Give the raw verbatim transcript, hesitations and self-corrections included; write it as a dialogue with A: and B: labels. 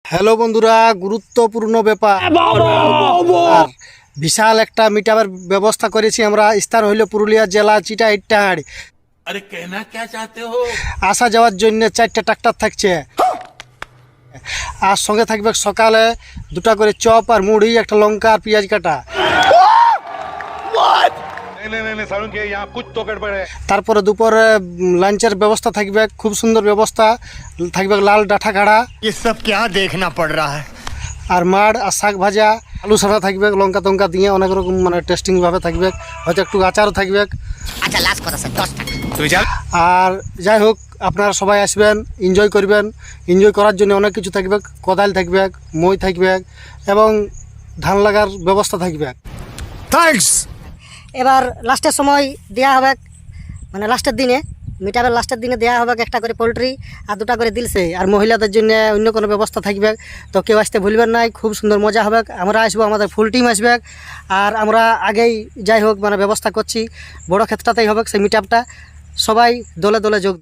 A: Hello বন্ধুরা, গুরুত্বপূর্ণ ব্যাপার আর বিশাল একটা মিটআপের ব্যবস্থা করেছি আমরা। স্থান হইল পুরুলিয়া জেলা চিটাইটাহাড়।
B: अरे कहना क्या चाहते हो?
A: আসা যাওয়ার জন্য চারটে ট্রাক্টর থাকছে, আর সঙ্গে থাকবে সকালে দুটা করে চপ আর মুড়ি, একটা লঙ্কা আর পেঁয়াজ কাটা।
C: नहीं नहीं नहीं सारुण के यहाँ कुछ तो गड़बड़ है।
A: তারপরে দুপুরে লাঞ্চের ব্যবস্থা থাকবে, খুব সুন্দর ব্যবস্থা থাকবে। লাল ডাঁটা কাড়া
D: ये सब क्या देखना पड़ रहा है।
A: আর মাড় আর শাক ভাজা, আলু সাদা থাকবে, লঙ্কা টঙ্কা দিয়ে অনেক রকম মানে টেস্টিংভাবে থাকবে। হয়তো একটু আচারও থাকবে।
E: আচ্ছা লাস্ট কথা স্যার দশ টাকা
A: আর যাই হোক, আপনারা সবাই আসবেন, এনজয় করবেন। এনজয় করার জন্য অনেক কিছু থাকবে, কোদাল থাকবে, মই থাকবে এবং ধান লাগার ব্যবস্থা থাকবে।
D: थैंक्स।
E: এবার লাস্টের সময় দেওয়া হবে, মানে লাস্টের দিনে মিটাপের লাস্টের দিনে দেওয়া হবে একটা করে পোলট্রি আর দুটা করে দিলসে। আর মহিলাদের জন্য অন্য কোনো ব্যবস্থা থাকবে, তো কেউ আসতে ভুলবেন নাই। খুব সুন্দর মজা হবে। আমরা আসবো, আমাদের ফুল টিম আসবে। আর আমরা আগেই যাই হোক মানে ব্যবস্থা করছি, বড় ক্ষেত্রটাতেই হবে সেই মিটআপটা। সবাই দলে দলে যোগ